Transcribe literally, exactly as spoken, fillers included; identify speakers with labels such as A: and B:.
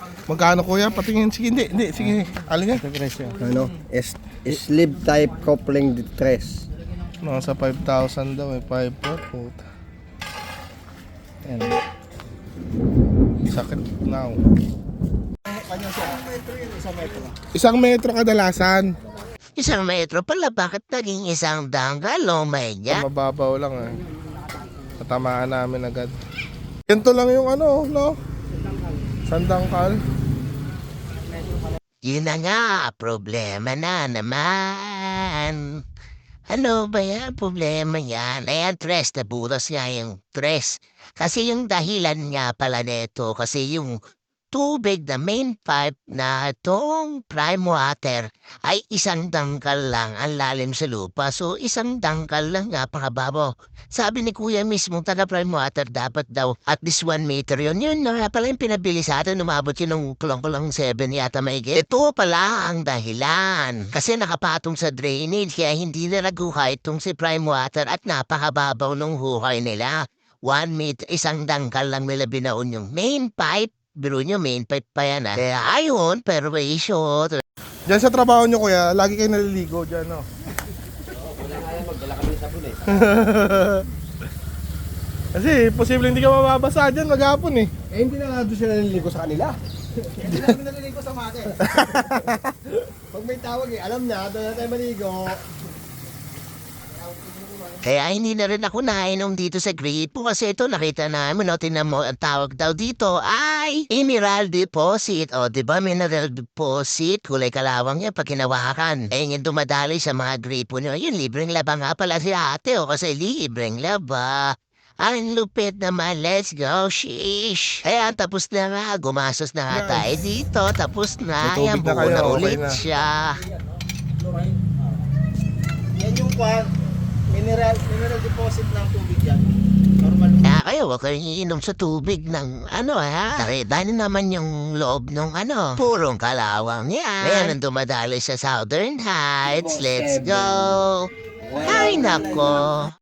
A: Magkano kuya? Patingin. Sige, hindi. Hindi. Sige. Alin yan?
B: Ano? S sleeve type coupling tres.
A: Nasa five thousand daw eh. five foot.
B: Yan.
A: Sakit now. Isang metro kadalasan.
C: Isang metro pala, bakit naging isang danggal o may niya?
A: Mababaw lang eh. Natamaan namin agad. Ganito lang yung ano, no? Sandangkal.
C: Yun na nga, problema na naman. Ano ba yan? Problema yan. Ayan, tres, nabutas nga yung tres. Kasi yung dahilan nga pala nito, kasi yung tubig na main pipe na itong prime water ay isang dangkal lang ang lalim sa lupa. So, isang dangkal lang nga pangababaw. Sabi ni Kuya mismo, taga prime water, dapat daw at least one meter yun. Yun na nga pala yung pinabili sa atin, umabot yun ng kulong-kulong seven yata maigit. Ito pala ang dahilan. Kasi nakapatong sa drainage, kaya hindi na naguhay itong si prime water at napakababaw ng huhay nila. One meter, isang dangkal lang nila binaon yung main pipe. Biro nyo, main pipe pa yan ah. Kaya ayun, perwisyo.
A: Diyan sa trabaho nyo kuya, lagi kayo naliligo dyan, no?
B: Wala nga yan, magdala kami ng sabon eh.
A: Kasi posible hindi ka mababasa dyan maghapon eh.
B: Eh hindi na nga doon sila naliligo sa kanila. Hindi na kami naliligo sa mate. Pag may tawag eh, alam na, doon na tayo maligo.
C: Kaya hindi na rin ako nainom dito sa gripo kasi ito nakita namin, no, tinan mo, ang tawag daw dito ay mineral deposit. O, di ba mineral deposit? Kulay kalawang yan pag kinawakan. Eh, yung dumadali sa mga gripo nyo, yun, libreng laba nga pala si ate, o, kasi libreng laba. Ang lupit naman, let's go, shish. Kaya tapos na nga, gumasos na nga
A: Guys,
C: tayo dito, tapos na,
A: may
C: yan,
A: tubig na
C: buo
A: kayo,
C: na
A: okay
C: ulit
A: na.
C: siya.
B: Yan yung kwan, mineral, mineral deposit ng tubig yan. Normal.
C: Kaya kayo, huwag kayong iinom sa tubig ng ano ha. Nakita niyo naman yung loob ng ano, purong kalawang yan. Ngayon ang dumadali sa Southern Heights, let's go. Ay nako.